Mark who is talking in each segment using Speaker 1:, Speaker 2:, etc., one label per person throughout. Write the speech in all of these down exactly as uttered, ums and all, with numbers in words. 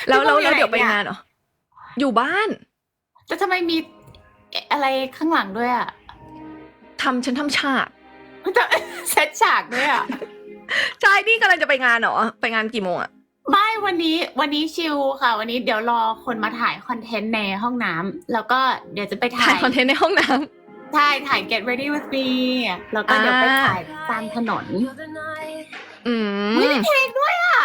Speaker 1: แล้วแล้วแล้วเดี๋ยวไปงานเหรออยู่บ้าน
Speaker 2: แต่ทำไมมีอะไรข้างหลังด้วยอ่ะ
Speaker 1: ทำฉันทำฉาก
Speaker 2: เซตฉากด้วยอ่ะ
Speaker 1: ใช่นี่กำลังจะไปงานเหรอไปงานกี่โมงอะ
Speaker 2: ไม่วันนี้วันนี้ชิลค่ะ วันนี้เดี๋ยวรอคนมาถ่ายคอนเทนต์ในห้องน้ำแล้วก็เดี๋ยวจะไปถ่า
Speaker 1: ถ่าย ยคอนเทนต์ในห้องน้ำ
Speaker 2: ใช่ถ่าย get ready with me แล้วก็เดี๋ยวไปถ่ายตามถนน
Speaker 1: อืม
Speaker 2: ไม่มีเพลงด้วยอ่ะ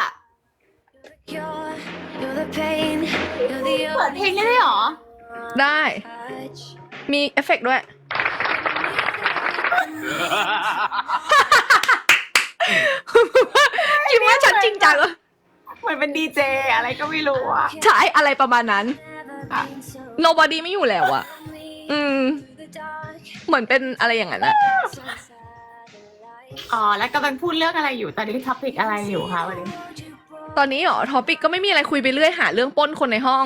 Speaker 2: เปิดเพลงได้ด้วยเหรอ
Speaker 1: ได้ มีเอฟเฟกต์ด้วย คิดว่าฉันจริงจังเหรอ
Speaker 2: เหมือนเป็นดีเจอะไรก็ไม่รู้อ่ะ
Speaker 1: ใช่อะไรประมาณนั้น nobody ไม่อยู่แล้วอะอืม เหมือนเป็นอะไรอย่างนั้นอะ
Speaker 2: อ๋อ แล้วกำลังพูดเรื่องอะไรอยู่ ตอนนี้ท็อปิกอะไรอยู่คะวันนี้
Speaker 1: ตอนนี้เหรอทอปิกก็ไม่มีอะไรคุยไปเรื่อยหาเรื่องปล้นคนในห้อง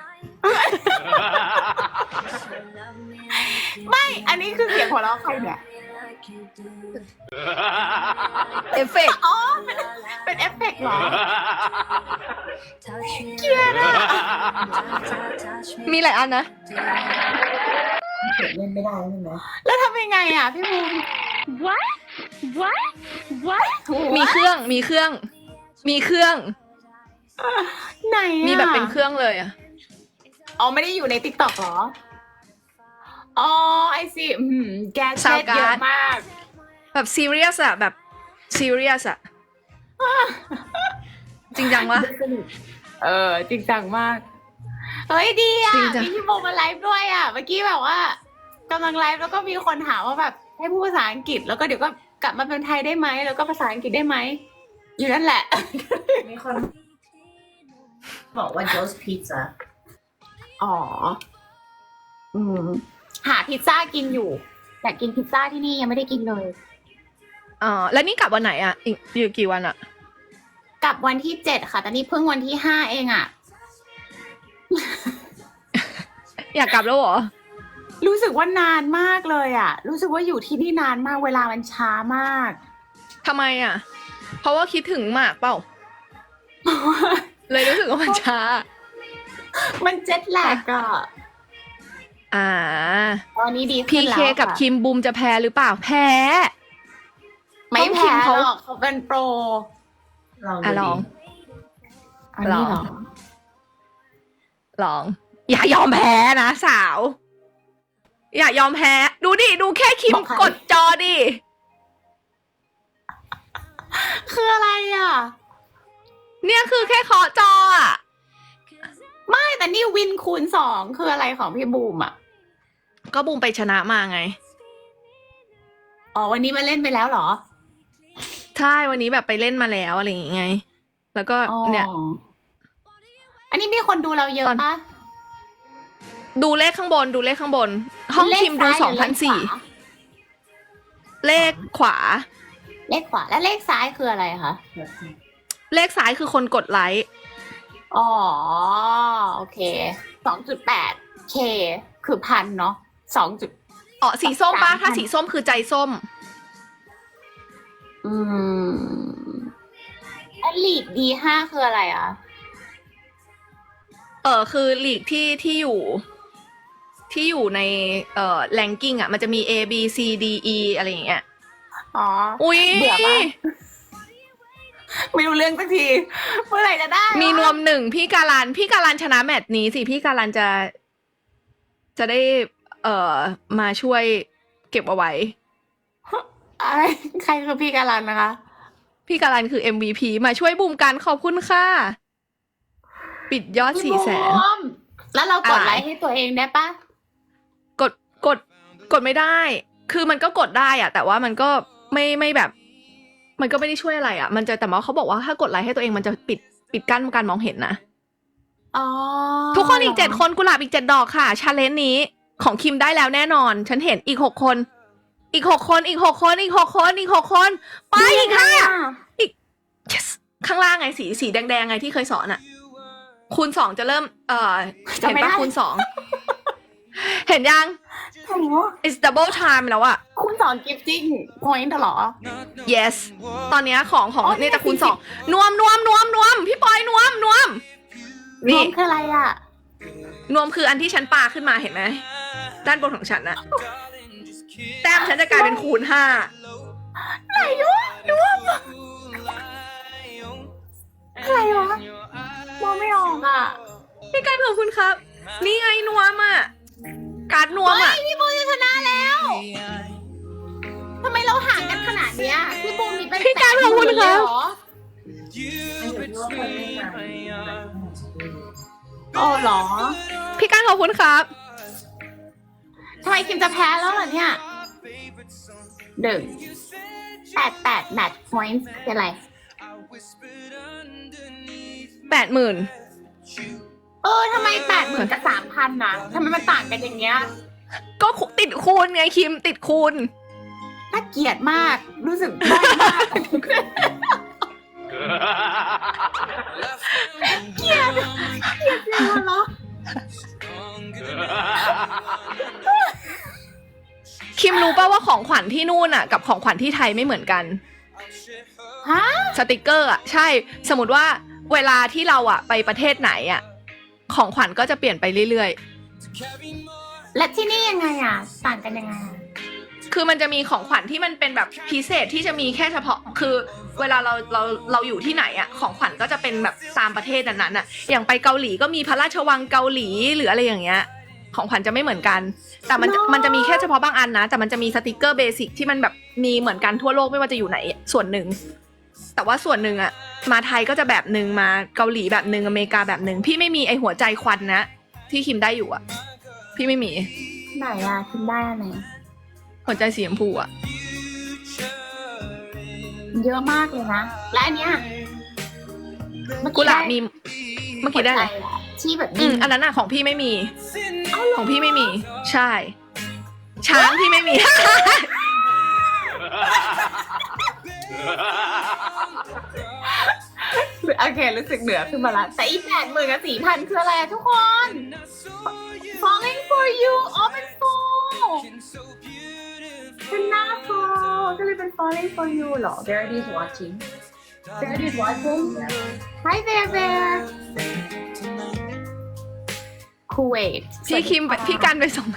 Speaker 2: ไม่ อันนี้คือเสียงหัวเราะใครเนี่ย
Speaker 1: เอฟเฟกต์
Speaker 2: อ๋อ เป็นเป็นเอฟเฟกต์เหรอ เกลียดอะ
Speaker 1: มีหลายอันนะ
Speaker 2: เล่นไม่ได้ใช่ไหมแล้วทำยังไงอ่ะพี่บูม What What What
Speaker 1: มีเครื่องมีเครื่อง มีเครื่อง
Speaker 2: ไหนอ่ะ
Speaker 1: มีแบบเป็นเครื่องเลยอะ
Speaker 2: อ๋อ ไม่ได้อยู่ใน ติ๊กต็อก เหรอ อ๋อ ไอซีอืมแกเช็ดเยอะมาก
Speaker 1: แบบซีเรียสอะแบบซีเรียสอะจริงจังวะ
Speaker 2: เออ จริงจังมาก เฮ้ยดีอ่ะ
Speaker 1: จริงจัง
Speaker 2: มีพี่โมมาไลฟ์ด้วยอ่ะ เมื่อกี้แบบว่ากำลังไลฟ์แล้วก็มีคนถามว่าแบบให้พูดภาษาอังกฤษ แล้วก็เดี๋ยวก็กลับมาเป็นไทยได้ไหม แล้วก็ภาษาอังกฤษได้ไหม อยู่นั่นแหละ
Speaker 3: มีคนบอกว่า Joe's Pizza
Speaker 2: อ๋อ อืม หาพิซซ่ากินอยู่ อยากกินพิซซ่าที่นี่ยังไม่ได้กินเลย
Speaker 1: อ๋อแล้วนี่กลับวันไหนอะอีกอยู่กี่วันอะ
Speaker 2: กลับวันที่เจ็ดค่ะ แต่นี่เพิ่งวันที่ห้าเองอ่ะ
Speaker 1: อยากกลับแล้วเหรอ
Speaker 2: รู้สึกว่านานมากเลยอ่ะ รู้สึกว่าอยู่ที่นี่นานมาก เวลามันช้ามาก
Speaker 1: ทำไมอะเพราะว่าคิดถึงหมากเปล่า เลยรู้สึกว่ามันช้า
Speaker 2: มันเจ็ตแลกอ่ะ
Speaker 1: อ่า
Speaker 2: ตอนนี้ดี
Speaker 1: พี
Speaker 2: ขึ้นแล้ว
Speaker 1: เคกับ
Speaker 2: ค่ะ
Speaker 1: คิมบูมจะแพ้หรือเปล่า แพ้
Speaker 2: ไม่
Speaker 1: ต้องคิ
Speaker 2: แพ้
Speaker 1: มเขา
Speaker 2: หรอกเขาเป็นโปร
Speaker 3: ลอง
Speaker 1: อ่ะ
Speaker 3: ดู
Speaker 1: ลอง
Speaker 3: ดิ
Speaker 2: อันนี้เหรอ
Speaker 1: ลอง อย่ายอมแพ้นะสาว อย่ายอมแพ้ ดูดิ ดูแค่คิม
Speaker 2: บอกใคร
Speaker 1: กดจอดิ
Speaker 2: คืออะไรอ่ะ
Speaker 1: เนี่ยคือแค่เคาะจออ่ะ
Speaker 2: ไม่แต่นี่วินคูณสองคืออะไรของพี่บูมอ่ะ
Speaker 1: ก็บูมไปชนะมาไง
Speaker 2: อ๋อวันนี้มาเล่นไปแล้วเหรอ
Speaker 1: ใช่ วันนี้แบบไปเล่นมาแล้วอะไรอย่างเงี้ย แล้วก็
Speaker 2: อ๋อ
Speaker 1: เนี่ย
Speaker 2: อันนี้มีคนดูเราเยอะ
Speaker 1: ตอน
Speaker 2: ปะ
Speaker 1: ดูเลขข้างบน ดูเลขข้างบน ห้อง
Speaker 2: เลข
Speaker 1: คิมดู
Speaker 2: ซ้าย
Speaker 1: สองพันสี่
Speaker 2: หรือเลขขวา
Speaker 1: เลขขวา
Speaker 2: เลขขวา และเลขซ้ายคืออะไรคะ
Speaker 1: เลขซ้ายคือคนกดไลค์
Speaker 2: อ๋อ โอเค สองจุดแปด เค คือพันเนาะสองจุด
Speaker 1: อ๋อ สีส้มปะ
Speaker 2: สามพัน
Speaker 1: ถ้าสีส้มคือใจส้ม
Speaker 2: อืมอันลีกดีห้าคืออะไรอ่ะ
Speaker 1: เออคือลีกที่ที่อยู่ ที่อยู่ในเอ่อแรงกิ้งอ่ะ มันจะมี A B C D E อะไรอย่างเงี้ย
Speaker 2: อ๋อ
Speaker 1: อุ้ย
Speaker 2: เบื่อปะ ไม่รู้เรื่องสักที เมื่อไหร่จะได้
Speaker 1: มีนวมหนึ่งพี่การัน พี่การันชนะแมตช์นี้สิ พี่การันจะ จะได้ เอ่อ มาช่วยเก็บเอาไว้
Speaker 2: อะไรใครคือพี่การันนะคะ
Speaker 1: พี่การันคือ เอ็ม วี พี มาช่วยบูมกันขอบคุณค่ะ ปิดยอดสี่แสน
Speaker 2: พี่บูมแล้วเรากด
Speaker 1: อะไร
Speaker 2: ไลค์ให้ตัวเองได้ปะ
Speaker 1: กดกดกดไม่ได้ คือมันก็กดได้อะแต่ว่ามันก็ไม่ไม่แบบ มันก็ไม่ได้ช่วยอะไรอะมันจะแต่ว่าเขาบอกว่าถ้ากดไลค์ให้ตัวเองมันจะปิดปิดกั้นการมองเห็นนะ
Speaker 2: อ๋อ
Speaker 1: ทุกคนอีกเจ็ดคนกุหลาบอีกเจ็ดดอกค่ะชาเลนจ์นี้ของคิมได้แล้วแน่นอน ฉันเห็นอีกหกคน อีกหกคนอีกหกคนอีกหกคนอีกหกคนไปอีกห้า yes ข้างล่างไงสีสีแดงๆไงที่เคยสอนอะคูณสองจะเริ่ม เอ่อเห็นปะคูณสองเห็นยัง
Speaker 2: โอ้โห
Speaker 1: it's double time แล้วอะ
Speaker 2: คุณสอนกิฟติ้งพอยต์เหรอ
Speaker 1: yes ตอนเนี้ยของของ
Speaker 2: อ๋อ
Speaker 1: เนี่ยจะคูณ
Speaker 2: สี่สิบ
Speaker 1: สองนวมนวมนวมนวมพี่ปอยนวมนวม
Speaker 2: ร
Speaker 1: นี่
Speaker 2: วมคืออะไรอ่ะ
Speaker 1: นวมคืออันที่ฉันปาขึ้นมาเห็นไหมด้านบนของฉันอะแต้มฉันจะกลายเป็นคูณห้า
Speaker 2: ไหนวะนวมอะไรวะมองไม่ออกอ่ะ
Speaker 1: พี่การขอบคุณครับ นี่ไงนวมอะการดนวม
Speaker 2: เฮ้
Speaker 1: อะ
Speaker 2: ยพี่บูมจะชนะแล้วทำไมเราห่างกันขนาดเนี้ยพี่บูมมีเป็น
Speaker 1: พี่การขอบคุณครับ
Speaker 2: เหรอ
Speaker 3: ไม่รู้ว่าคนเล่นนาน
Speaker 2: โอ้เหรอ
Speaker 1: พี่การขอบคุณครับ
Speaker 2: ทำไมคิมจะแพ้แล้วเหรอเนี่ยหนึ่งแปดแปดแมตช์พอยต์เป็นไร
Speaker 1: แปดหมื่น
Speaker 2: เออทำไมแปดหมื่นกับสามพันนะทำไมมันต่างกันอย่างเงี้ย
Speaker 1: ก็ติดคูณไงคิมติดคูณ
Speaker 2: น่าเกลียดมาก รู้สึกด้อยมาก เกลียด เกลียดจริงเหรอ
Speaker 1: คิมรู้ป่าว่าของขวัญที่นู่นอะกับของขวัญที่ไทยไม่เหมือนกัน
Speaker 2: ฮะ
Speaker 1: สติกเกอร์อะใช่ สมมติว่าเวลาที่เราอะไปประเทศไหนอะของขวัญก็จะเปลี่ยนไปเรื่อย
Speaker 2: และที่นี่ยังไงอ่ะ ต่างกันยังไงอะ
Speaker 1: ๆ คือมันจะมีของขวัญที่มันเป็นแบบพิเศษที่จะมีแค่เฉพาะ คือเวลาเราเราเราอยู่ที่ไหนอะของขวัญก็จะเป็นแบบตามประเทศนั้นๆอะอย่างไปเกาหลีก็มีพระราชวังเกาหลีหรืออะไรอย่างเงี้ย ของขวัญจะไม่เหมือนกัน แต่มันจะมันจะมีแค่เฉพาะบางอันนะ แต่มันจะมีสติกเกอร์เบสิกที่มันแบบมีเหมือนกันทั่วโลกไม่ว่าจะอยู่ไหนส่วนหนึ่ง แต่ว่าส่วนหนึ่งอะมาไทยก็จะแบบหนึ่งมาเกาหลีแบบหนึ่งอเมริกาแบบหนึ่งพี่ไม่มีไอหัวใจควันนะที่คิมได้อยู่อะพี่ไม่มี
Speaker 2: ไหนอ่ะคิมได้อันไหน
Speaker 1: หัวใจสีชมพูอะ
Speaker 2: เยอะมากเลยนะ และอันเนี้ยเมื่อ
Speaker 1: กุหลาบ
Speaker 2: ได้
Speaker 1: มีเมื่อกี้ได้อะไร
Speaker 2: หัวใจอะที่แบบ
Speaker 1: อืมอันนั้นอะของพี่ไม่มี ของพี่ไม่มี ใช่ ช้างพี่ไม่มี
Speaker 2: โอเครู้สึกเหนือขึ้นมาละแต่อีแปดหมื่นกับสี่พันคืออะไรอะทุกคน falling for you อ๋อเป็น fall เป็นหน้า fall ก็เลยเป็น falling for you เหรอ
Speaker 3: Verity is watching.
Speaker 2: Verity is watching Hi there there Kuwait
Speaker 1: พี่คิมพี่กันไปส่งไหม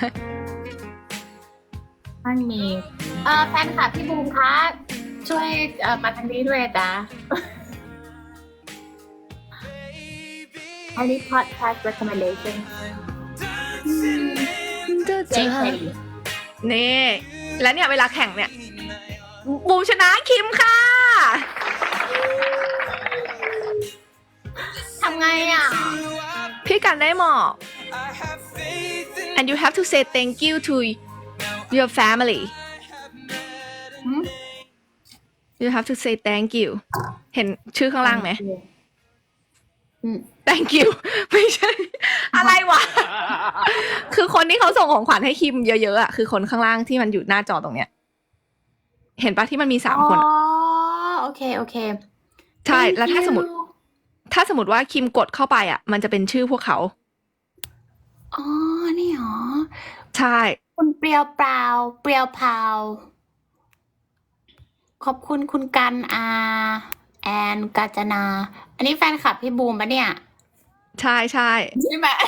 Speaker 2: มันมีเอ่อแฟนคลับพี่บูมคะช่วยเอ่อมาทางนี้ด้วยจ้ะ อันนี้ podcast recommendation เจ๊เคยดี
Speaker 1: นี่ แล้วเนี่ยเวลาแข่งเนี่ย บูมชนะคิมค่ะ
Speaker 2: ทำไงอ่ะ
Speaker 1: พี่กันได้หมอก and you have to say thank you to your family
Speaker 2: หืม
Speaker 1: you have to say thank you เห็นชื่อข้างล่างไหม
Speaker 2: อืม
Speaker 1: thank you ไม่ใช่ อะไรวะ คือคนที่เขาส่งของขวัญให้คิมเยอะๆอ่ะคือคนข้างล่างที่มันอยู่หน้าจอตรงเนี้ย เห็นปะที่มันมีสามคน
Speaker 2: อ๋อ
Speaker 1: อะ
Speaker 2: โอเค โอเค
Speaker 1: ใช่ แล้วถ้า
Speaker 2: Thank
Speaker 1: สมมติ
Speaker 2: you
Speaker 1: ถ้าสมมติว่าคิมกดเข้าไปอ่ะ มันจะเป็นชื่อพวกเขา
Speaker 2: อ๋อ นี่หรอ
Speaker 1: ใช่
Speaker 2: คุณเปรียวเปล่า เปรียวเผาขอบคุณคุณกันอาแอนกาญจนา อันนี้แฟนคลับพี่บูมปะเนี่ย
Speaker 1: ใช่ใช่
Speaker 2: ใช่ไหม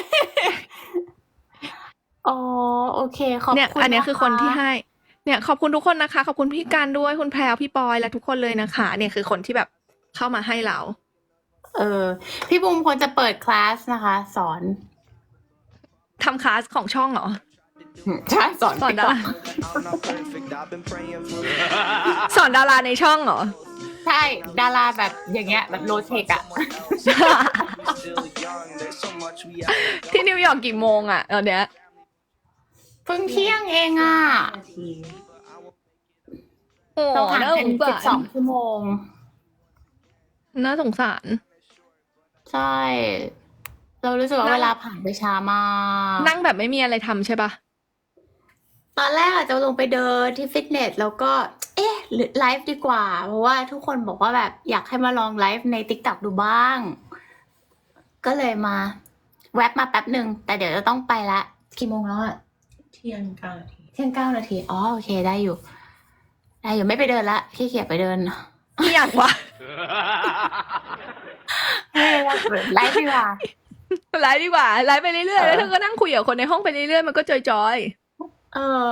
Speaker 2: อ๋อ โอเค ขอบ
Speaker 1: เนี่ย
Speaker 2: คุณ
Speaker 1: อันเนี้ยคือคนที่
Speaker 2: ะะ
Speaker 1: ให้ เนี่ยขอบคุณทุกคนนะคะ ขอบคุณพี่การด้วยคุณแพรวพี่ปอยและทุกคนเลยนะคะ เนี่ยคือคนที่แบบเข้ามาให้เรา
Speaker 2: เออ พี่บูมควรจะเปิดคลาสนะคะ สอน
Speaker 1: ทำคลาสของช่องเหรอ
Speaker 2: ใช่สอน
Speaker 1: สอนดารา
Speaker 4: I'm not perfect. I've been praying for
Speaker 1: สอนดาราในช่องเหรอ
Speaker 2: ใช่ ดาราแบบอย่างเงี้ย แบบโลเทคอะ
Speaker 4: still young. There's so much we have.
Speaker 1: ที่นิวยอร์กกี่โมงอ่ะตอนเนี้ย
Speaker 2: เพิ่งเที่ยงเองอะ
Speaker 3: นาที
Speaker 1: โอ้
Speaker 2: เราห่าง
Speaker 1: น่าส
Speaker 2: กัน
Speaker 1: ง
Speaker 2: สิบส
Speaker 1: สา
Speaker 2: อง
Speaker 1: ร
Speaker 2: ชั่วโมง
Speaker 1: น่าสงสาร
Speaker 2: ใช่ เรารู้สึกว่า
Speaker 1: นั่ง
Speaker 2: เวลาผ่านไปช้ามาก
Speaker 1: นั่งแบบไม่มีอะไรทำใช่ปะ
Speaker 2: ตอนแรกอาจจะลงไปเดินที่ฟิตเนสแล้วก็ เอ๊ะหรือไลฟ์ดีกว่า เพราะว่าทุกคนบอกว่าแบบอยากให้มาลองไลฟ์ใน TikTok ดูบ้าง ก็เลยมา แวบมาแป๊บหนึ่ง แต่เดี๋ยวจะต้องไปละกี่โมงแล้วอะ
Speaker 3: เที่ยงเก้านาที
Speaker 2: เที่ยงเก้านาที อ๋อ โอเค ได้อยู่ ได้อยู่ ไม่ไปเดินละขี้เกียจไปเดิน
Speaker 1: ไม่อยากวะ
Speaker 2: ไม่ได้ไลฟ์ดีกว่า
Speaker 1: ไลฟ์ดีกว่าไลฟ์ไปเรื่อยๆแล้วเธอก็นั่งคุยกับคนในห้องไปเรื่อยๆมันก็จอย
Speaker 2: เออ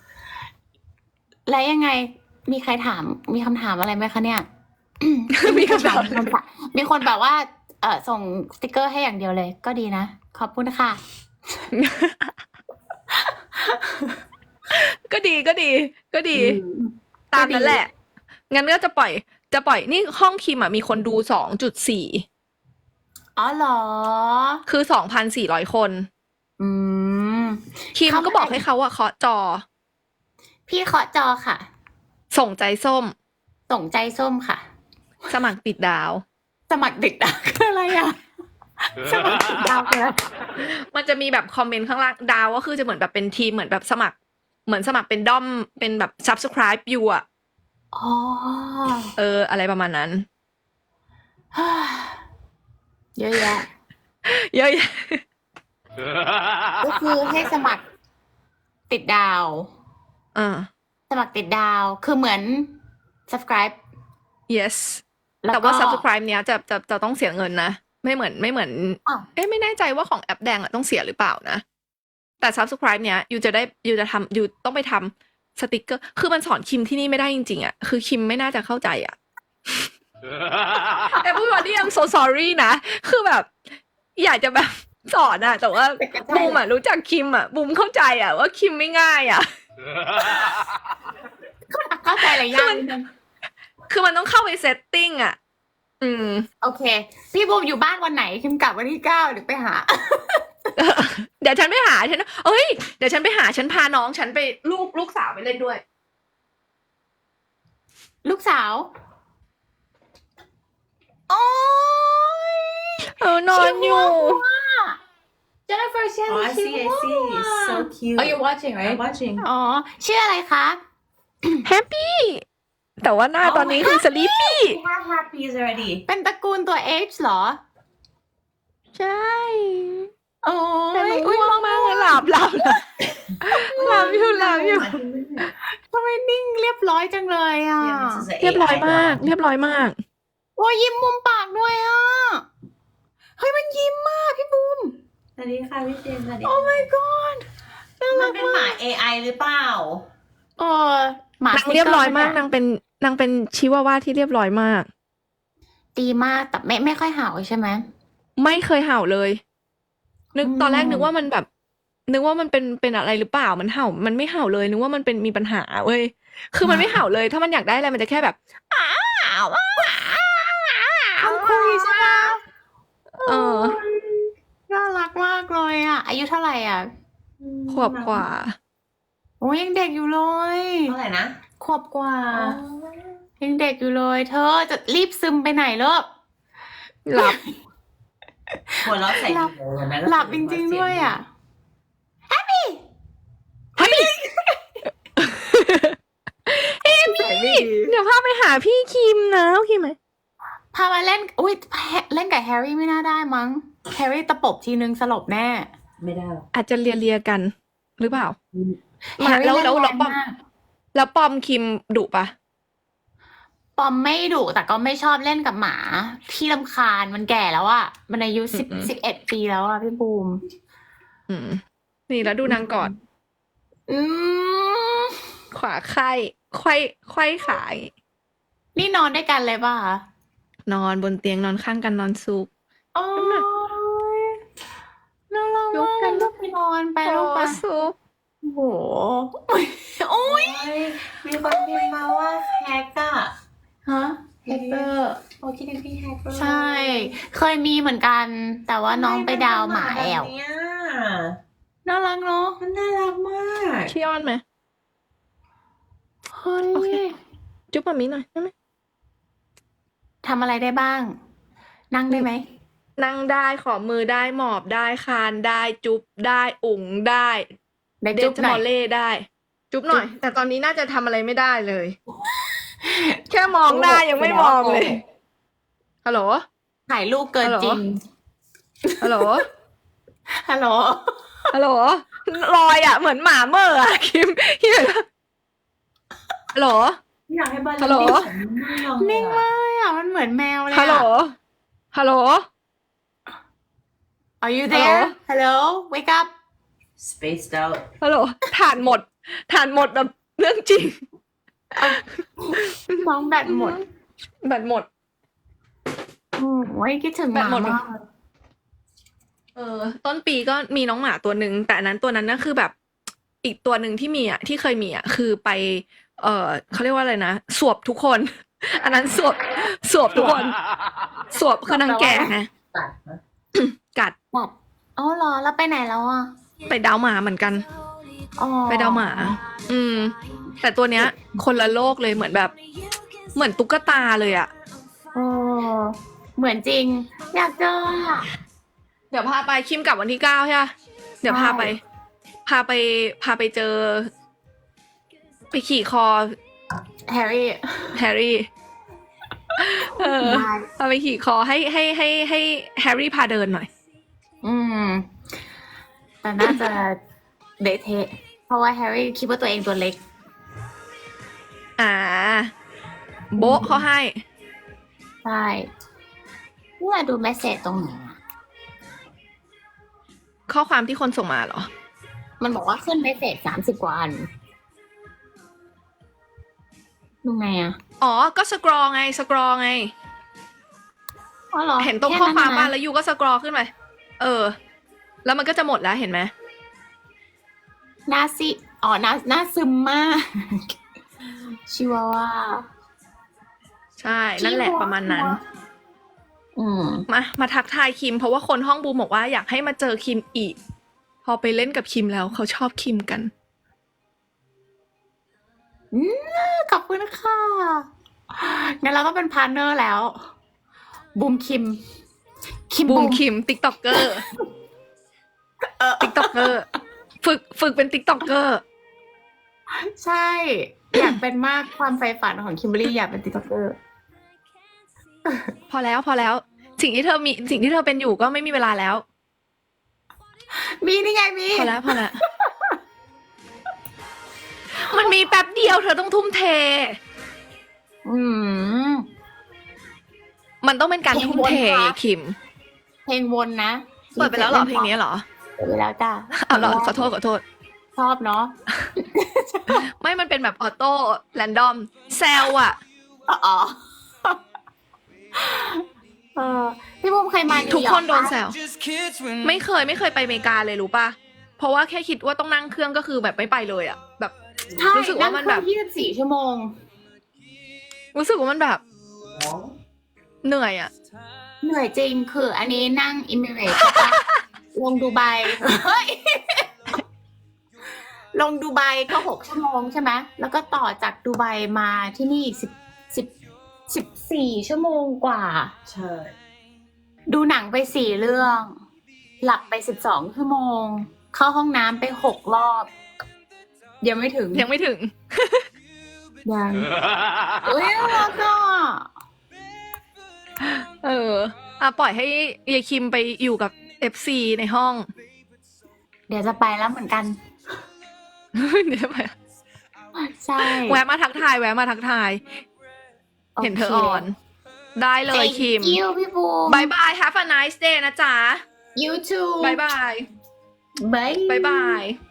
Speaker 2: แล้วยังไง มีใครถาม มีคำถามอะไรไหมคะเนี่ย
Speaker 1: ๆ มีคำถาม
Speaker 2: มีคนถามมีคนแบบว่า เออส่งสติกเกอร์ให้อย่างเดียวเลย ก็ดีนะ ขอบคุณค่ะ
Speaker 1: ก็ดีก็ดี ก็ดี ตามนั้นแหละ งั้นก็จะปล่อย จะปล่อยนี่ห้องคิมอ่ะมีคนดูสองจุดสี่
Speaker 2: อ๋อเหรอ
Speaker 1: คือสองพันสี่ร้อยคน
Speaker 2: อืม
Speaker 1: คิม
Speaker 2: เขา
Speaker 1: ก็บอกให้เขาอะเคาะจอ
Speaker 2: พี่เคาะจอค่ะ
Speaker 1: ส่งใจส้ม
Speaker 2: ส่งใจส้มค่ะ
Speaker 1: สมัครติดดาว
Speaker 2: สมัครเด็กดาวคืออะไรอ่ะ สมัครติดดาวคืออะไร
Speaker 1: มันจะมีแบบคอมเมนต์ข้างล่างดาวก็คือจะเหมือนแบบเป็นทีมเหมือนแบบสมัคร เหมือนสมัครเป็นด้อมเป็นแบบ subscribe อยู่อะ
Speaker 2: อ๋อ
Speaker 1: เออ อะไรประมาณนั้น
Speaker 2: เยอะแยะ
Speaker 1: เยอะแยะ
Speaker 2: ก็คือให้สมัครติดดาว
Speaker 1: อ่า
Speaker 2: สมัครติดดาว คือเหมือน subscribe
Speaker 1: yes
Speaker 2: แล้ว
Speaker 1: แต่
Speaker 2: ก็
Speaker 1: ว่า subscribe เนี้ยจะจะจะต้องเสียเงินนะ ไม่เหมือนไม่เหมือน
Speaker 2: อ้าว
Speaker 1: เอ๊ะไม่แน่ใจว่าของแอปแดงอะต้องเสียหรือเปล่านะ แต่ subscribe เนี้ยยูจะได้ยูจะทำยูต้องไปทำสติกเกอร์ คือมันสอนคิมที่นี่ไม่ได้จริงๆอะคือคิมไม่น่าจะเข้าใจอะ everybody I'm so sorry นะ คือแบบ อยากจะแบบสอนอะแต่ว่าบูมอะรู้จักคิมอะบูมเข้าใจอะว่าคิมไม่ง่ายอะ
Speaker 2: เข้าใจอะไรยากนิดนึง
Speaker 1: คือมันต้องเข้าไปเซตติ้งอะอืม
Speaker 2: โอเค พี่บูมอยู่บ้านวันไหนคิมกลับวันที่เก้าเดี๋ยวไปหา
Speaker 1: เดี๋ยวฉันไปหาฉันเอ้ยเดี๋ยวฉันไปหาฉันพาน้องฉันไปลูกลูกสาวไปเล่นด้วย
Speaker 2: ลูกสาว โอ้ย
Speaker 1: เออนอนอยู่
Speaker 2: Jennifer Shelly
Speaker 3: Oh, I see, I see. It's so cute.
Speaker 2: Oh, you're watching,
Speaker 3: I'm
Speaker 2: right?
Speaker 3: watching.
Speaker 2: อ๋อ ชื่ออะไรคะ
Speaker 1: แฮปปี้ แต่ว่าหน้าตอนนี้คือสลีปปี้
Speaker 3: We have happies already.
Speaker 2: เป็นตระกูลตัว H เหรอ
Speaker 1: ใช่
Speaker 2: โอ้
Speaker 1: แต่ห
Speaker 2: ย
Speaker 1: นู
Speaker 2: อุ้ย
Speaker 1: ง่วงมากเลยหลับหลับหลับหลับอยู่หลับอยู่
Speaker 2: ทำไมนิ่งเรียบร้อยจังเลยอ่ะ
Speaker 3: Yeah, this is an
Speaker 1: เรียบร้อย
Speaker 3: A I
Speaker 1: มาก
Speaker 3: one.
Speaker 1: เรียบร้อยมาก
Speaker 2: โอ้ยยิ้มมุมปากด้วยอ่ะ เฮ้ยมันยิ้มมากพี่บูม
Speaker 3: สวัสดีค่ะพี่เจมส์สวัสดี
Speaker 2: Oh my god น่า
Speaker 3: มั
Speaker 2: รั
Speaker 3: น
Speaker 2: ก
Speaker 3: เป็นห
Speaker 2: มา
Speaker 3: มาก เอ ไอ หรือเปล่า
Speaker 2: เออหมาน
Speaker 1: างเรียบร้อยมากนางเป็นนางเป็นชิวาว่าที่เรียบร้อยมาก
Speaker 2: ดีมากแต่ไม่ไม่ค่อยเห่าใช่ไหม
Speaker 1: ไม่เคยเห่าเลย นึก
Speaker 2: อืม
Speaker 1: ตอนแรกนึกว่ามันแบบ นึกว่ามันเป็นเป็นอะไรหรือเปล่ามันเห่า มันไม่เห่าเลยนึกว่ามันเป็นมีปัญหาเว้ยคือมันไม่เห่าเลย ถ้ามันอยากได้อะไรมันจะแค่แบบอ้าวอ้าวอ้าว
Speaker 2: มันคุยใช่ไหม
Speaker 1: เออ
Speaker 2: น่ารักมากเลยอ่ะ อายุเท่าไหร่อ่ะ
Speaker 1: ขวบกว่า
Speaker 2: โอ้ยยังเด็กอยู่เลย
Speaker 3: เท่าไหร่นะ
Speaker 2: ขวบกว่า ยังเด็กอยู่เลย เธอจะรีบซึมไปไหนเลิก
Speaker 1: หลับ
Speaker 3: หัวเราะใส่
Speaker 2: หลับ
Speaker 3: หูนะ
Speaker 2: หลับจริงๆด้วยอ่ะ
Speaker 1: เฮ้ยเอมี่เดี๋ยวพาไปหาพี่คิมนะโอเคไหม
Speaker 2: พามาเล่น อุ้ยเล่นกับแฮร์รี่ไม่น่าได้มั้ง แฮร์รี่ตะปบทีนึงสลบแน่
Speaker 3: ไม่ได้หรอก
Speaker 1: อาจจะเลียเลียๆกัน หรือเปล่า
Speaker 2: แฮร์รี่
Speaker 1: แล้ว
Speaker 2: เล่น
Speaker 1: แล้ว
Speaker 2: แร
Speaker 1: แล้ว
Speaker 2: ง
Speaker 1: ปอม
Speaker 2: มาก
Speaker 1: แล้วปอมคิมดุปะ
Speaker 2: ปอมไม่ดุแต่ก็ไม่ชอบเล่นกับหมาที่รำคาญมันแก่แล้วอ่ะ มันอายุสิบสิบเอ็ดปีแล้วอ่ะพี่บูม
Speaker 1: อืม นี่แล้วดูนางกอด
Speaker 2: อืม
Speaker 1: ขวาไข้ไขว้ไขว้ขาอย่างงี้
Speaker 2: นี่นอนด้วยกันเลยป่ะคะ
Speaker 1: นอนบนเตียงนอนข้างกันนอนซุป
Speaker 2: โอ้ยน่ารัก
Speaker 1: ยก
Speaker 2: มาก
Speaker 1: กัน
Speaker 2: ลูกไปนอนไปลูกไป
Speaker 1: โอ้ซุป
Speaker 2: โอ้โห โอ้ย
Speaker 3: โอ้ยมีคนพิมพ์มาว่าแฮกอะ
Speaker 2: ฮะแฮกเกอร์
Speaker 3: โอ้คิดถึงพี่แฮกเกอร์
Speaker 2: ใช่ เคยมีเหมือนกัน แต่ว่าน้องไปดาวหมาแอว
Speaker 3: ทำไมมันเป็นหมาแบบเนี้ย
Speaker 2: น่ารักเนาะ
Speaker 3: มันน่ารักมาก
Speaker 1: ขี้อ้อนไหม
Speaker 2: เฮ้ย
Speaker 1: โอเค จุ๊บมามีหน่อยได้ไหม
Speaker 2: ทำอะไรได้บ้าง นั่งได้ไหม
Speaker 1: นั่งได้ขอมือได้หมอบได้คานได้จุ๊บได้อุ๋งได้
Speaker 2: ได้
Speaker 1: เด
Speaker 2: จุ๊บ
Speaker 1: จ
Speaker 2: หน่
Speaker 1: ม
Speaker 2: อ
Speaker 1: อย ลเล่ได้ จุ๊บหน่อย แต่ตอนนี้น่าจะทำอะไรไม่ได้เลย แค่มองหน้ายังไม่มองเลย ฮัลโหล
Speaker 2: ถ่ายรูปเกินจริง
Speaker 1: ฮัลโหล
Speaker 2: ฮัลโหล
Speaker 1: ฮัลโหลลอยอ่ะ เหมือนหมาเมื่ออ่ะคิมคิมฮัลโหล
Speaker 3: อยากให้บ้าน
Speaker 1: ฮัลโหล
Speaker 2: นิ่งมากอ่ะ มันเหมือนแมวเลย
Speaker 1: ฮัลโหล
Speaker 2: อ่ะ
Speaker 1: ฮัลโหล
Speaker 2: Are you there Hello Wake up
Speaker 3: spaced out
Speaker 1: ฮัลโหลฐานหมดฐานหมดแบบเรื่องจริง
Speaker 2: น้องแบตหมด
Speaker 1: แบตหมด
Speaker 2: อืมโอ้ยคิดถึงห
Speaker 1: แบต
Speaker 2: มา
Speaker 1: หมด
Speaker 2: มาก
Speaker 1: เออ ต้นปีก็มีน้องหมาตัวหนึ่งแต่อันนั้นตัวนั้นน่ะคือแบบอีกตัวหนึ่งที่มีอ่ะที่เคยมีอ่ะคือไป เออเขาเรียกว่าอะไรนะสวบทุกคน อันนั้นสวบสวบทุกคน สวบคือนางแก่ไง
Speaker 3: ตัดนะ
Speaker 1: กัด
Speaker 2: แบบอ๋อเหรอแล้วไปไหนแล้วอ่ะ
Speaker 1: ไปดาวหมาเหมือนกัน
Speaker 2: อ๋อ
Speaker 1: ไปดาวหมา อืม แต่ตัวเนี้ย คนละโลกเลยเหมือนแบบ เหมือนตุ๊กตาเลยอ่ะ
Speaker 2: เออเหมือนจริง อยากเจออ่ะ
Speaker 1: เดี๋ยวพาไปคิมกลับวันที่เก้าใช่ปะเดี๋ยวพาไป พาไป พาไปเจอ ไปขี่คอ
Speaker 2: แฮร์รี่
Speaker 1: แฮร์รี่ เออ
Speaker 2: ได้
Speaker 1: พาไปขี่คอให้ให้ให้ให้แฮร์รี่พาเดินหน่อย
Speaker 2: อืม แต่น่าจะเดทเทะเพราะว่าแฮร์รี่คิดว่าตัวเองตัวเล็ก
Speaker 1: อ่า โบ๊ะเขาให้
Speaker 2: ใช่เนี่ยดูเมสเซจตรงไหนอะ
Speaker 1: ข้อความที่คนส่งมาเหรอ
Speaker 2: มันบอกว่าขึ้นเมสเซจสามสิบกว่าอันดูไงอ่ะ
Speaker 1: อ๋อ ก็สกรอไง สกรอไง
Speaker 2: อ๋อเหรอ
Speaker 1: เห็นตรง
Speaker 2: แ
Speaker 1: ข้อความป่ะ
Speaker 2: นะ
Speaker 1: แล้วยูก็สกรอขึ้นไป เออ แล้วมันก็จะหมดแล้วเห็นไหม
Speaker 2: หน้าซิอ๋อหน้าหน้าซึมมาก ชิวาว่า
Speaker 1: ใช่ นั่นแหละประมาณนั้น
Speaker 2: อืม
Speaker 1: มา มาทักทายคิม เพราะว่าคนห้องบูมบอกว่าอยากให้มาเจอคิมอีก พอไปเล่นกับคิมแล้วเขาชอบคิมกัน
Speaker 2: อืมขอบคุณค่ะ งั้นเราก็เป็นพาร์ทเนอร์แล้ว บูมคิม คิม
Speaker 1: บู
Speaker 2: บู
Speaker 1: ม
Speaker 2: ม
Speaker 1: คิมติ๊กต็อกเกอร์
Speaker 2: เออ
Speaker 1: ติ๊กต็อกเกอร์ ฝึก ฝึกเป็นติ๊กต็อกเกอร์
Speaker 2: ใช่ อยากเป็นมากความใฝ่ฝันของคิมเบอรรี่อยากเป็นติ๊กต็อกเกอร์
Speaker 1: พอแล้วพอแล้ว สิ่งที่เธอมี สิ่งที่เธอเป็นอยู่ก็ไม่มีเวลาแล้ว
Speaker 2: มีนี่ไงมี
Speaker 1: พอแล้วพอแล้ว มันมีแป๊บเดียวเธอต้องทุ่มเท
Speaker 2: อืม
Speaker 1: มันต้องเป็นการทุ่มเท
Speaker 2: เพลงวนค่ะ
Speaker 1: คิม
Speaker 2: เพลงวนนะ
Speaker 1: เปิดไปแล้วเหรอเพลงนี้เหรอ
Speaker 2: เปิดไปแล้วจ้า
Speaker 1: อ้าวเหรอขอโทษขอโทษ
Speaker 2: ชอบเนาะ
Speaker 1: ไม่มันเป็นแบบออโต้แรนดอมแซลอะ
Speaker 2: อ๋อ เออพี่บุ้มเคยมานิวยอร์
Speaker 1: ทุกคนโดนแซว
Speaker 4: Just kids when
Speaker 1: ไม่เคยไม่เคยไปอเมริกาเลยรู้ป่ะ เพราะว่าแค่คิดว่าต้องนั่งเครื่องก็คือแบบไม่ไปเลยอะแบบ
Speaker 2: ใช่
Speaker 1: รู้สึกว่ามันแบบ
Speaker 2: ยี่สิบสี่ชั่วโมง
Speaker 1: รู้สึกว่ามันแบบ เหนื่อยอะ
Speaker 2: เหนื่อยจริงคืออันนี้นั่งอิมิเรตใช่ปะ ลงดูไบเฮ้ย ลงดูไบก็หกชั่วโมงใช่ไหมแล้วก็ต่อจากดูไบมาที่นี่สิบสิบสิบสี่ชั่วโมงกว่า
Speaker 3: ใช่
Speaker 2: ดูหนังไปสี่เรื่อง หลับไปสิบสองชั่วโมง เข้าห้องน้ำไปหกรอบ ยังไม่ถึง
Speaker 1: ยังไม่ถึง
Speaker 2: ยังเอ้ยแล้วก็
Speaker 1: เอออ่ะปล่อยให้ยายคิมไปอยู่กับ เอฟ ซี ในห้อง
Speaker 2: เดี๋ยวจะไปแล้วเหมือนกัน
Speaker 1: เดี๋ยวไป
Speaker 2: ใช่
Speaker 1: แวะมาทักทายแวะมาทักทาย เห็นเธออ่อน ได้เลยคิม
Speaker 2: คิวพี่บูม
Speaker 1: บายบาย have a nice day นะจ๊ะ
Speaker 2: you too
Speaker 1: บายบาย
Speaker 2: บาย
Speaker 1: บายบาย